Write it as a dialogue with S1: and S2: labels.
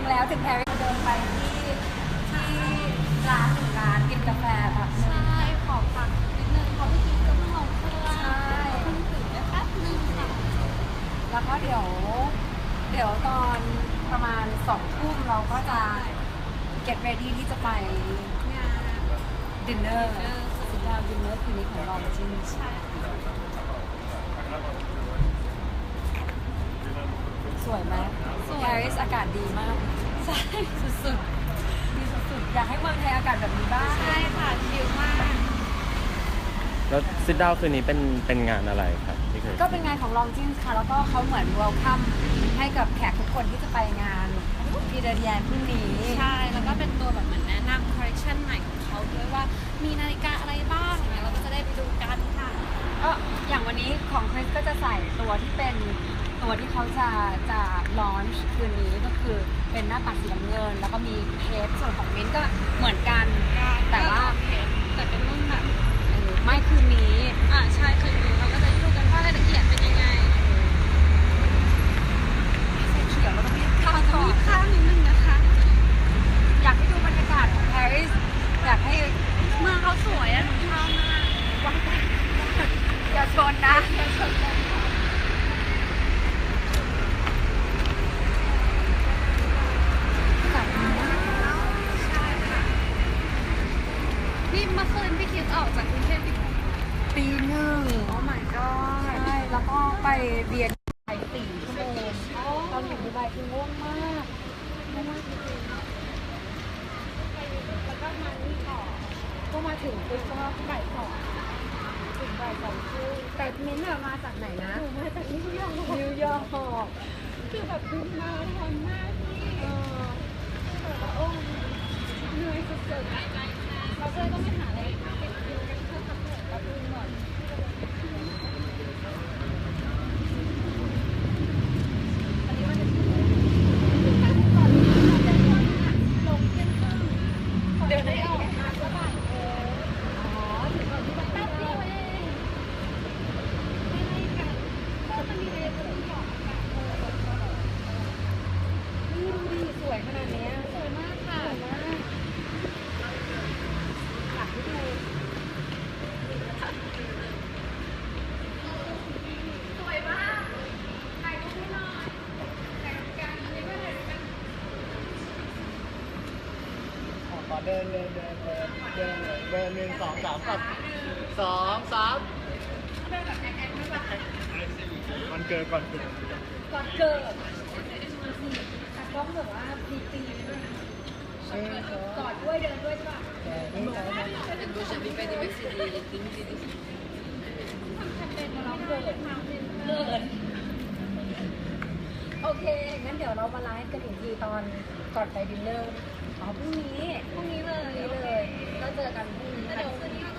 S1: แล้วถึงแพรรี่เดินไปที่ร้านหนึ่งร้านกินกาแฟแบบ
S2: ใช่ขอพักนิดนึงเพราะเมื่อกี้ก็เพิ่งลงเครื่อง
S1: ใช่
S2: เพิ่งตื่นได้แป๊บนึงค่ะ
S1: แล้วก็เดี๋ยวตอนประมาณ2 ทุ่มเราก็จะ get ready ที่จะไป
S2: งาน
S1: ดินเนอร์สุดยอดดินเนอร์คืนนี้ของเราจริง
S2: ใช่ค่ะ
S1: สวยไหมปารีสอากาศดีมาก
S2: ใช่
S1: สุดๆดีสุดๆอยากให้เมืองไทยอากาศแบบนี้บ้าง
S2: ใช่ค่ะชิลมาก
S3: แล้วซิดดาวคืนนี้เป็นงานอะไรครับที่เคย
S1: ก็เป็นงานของลองจินค่ะ แล้วก็เขาเหมือน welcome ให้กับแขกทุกคนที่จะไปงานพีเดเดียนพรุ่งนี้
S2: ใช่แล้วก็เป็นตัวแบบเหมือนแนะนำคอลเลคชันใหม่ของเขาด้วยว่ามีนาฬิกาอะไรบ้างเนี่ยเราก็จะได้ไปดูกันค่ะ
S1: ก็อย่างวันนี้ของคริสก็จะใส่ตัวที่เป็นตัวที่เขาจะลอนช์คืนนี้ก็คือเป็นหน้าปัดสีน้ำเงิน แล้วก็มีเพชรส่วนของมิ้นท์ก็เหมือนกัน แต่ว่า
S2: แต่เป็นรุ่นแบบ
S1: ไม่คืนนี้
S2: ใช่คืนนี้เราก็จะดูกันว่ารายละเอียดเป็นยังไง
S1: ใส่เขียวแล้วก็มีข้าว
S2: จะ
S1: ก่อ
S2: มี
S1: น
S2: ข้าวนิดนึงนะคะ
S1: อยากให้ดูบรรยากาศของปารีสอยากให้
S2: เมืองเขาสวยอะหนูชอบมาก
S1: อย่าชนนะ
S2: ใช่ค่ะนี่เมื่อคืนพี่คิดออกจากกรุงเทพกี่โมง
S1: ตีหนึ่ง
S2: โอ้ my god
S1: ใช่แล้วก็ไปเรียนไป4 ชั่วโมงตอนอยู่ดูไบคือง่วงมากง่วงมากจริงๆ
S2: แล้วก็มานี่ต่อ
S1: ก็มาถึงปุ๊บก็บ่าย 2ถึงบ่าย 2ครึ่งแต่มิ้นท์อะมาจากไหนนะ
S2: หนูมาจากนิวยอร์ก
S1: นิวยอร์ก
S2: คือแบบบินมาทอนมากพี่แบบว่าโอ้เหนื่อยสุดๆเราก็เลยต้องไปหาอะไรติดคิวกันเพื่อพักผ่อนกับดูหน่อยอันนี้มันจะชื่อก่อนก่อนลงเที่ยงครึ่งเดินได้ออกมาก็บ่ายอ๋อถึงก่อนที่จะแป๊บเดียวเองไม่ไล่กันก็จะมีเรียนกับที่บอกอากาศ
S1: นี่ดูดิสวยขนาดเนี้ย
S2: สวยมากค่ะ
S1: สวยมากอยากให้ดู
S2: สวยมากถ่ายรูปให้หน่อยถ่ายรูปกันนี่ก็ถ่ายรูปกัน
S4: ขอเดินเลยเดิน1 2 3กับ2 3มันเกิดก่อนเกิด
S1: ก่อนเกิดแต่กล้องแบบว่าพีตีด้วยนะกอดด้วยเดินด้วยใช่ป่ะทำแคมเปญมาร้องเกิดโอเค งั้นเดี๋ยวเรามาไลฟ์กันอีกทีตอนก่อนไปดินเนอร์อ๋อพรุ่งนี้เลยก็เจอกันพรุ่งนี้
S2: เดี๋ยวคืนนี้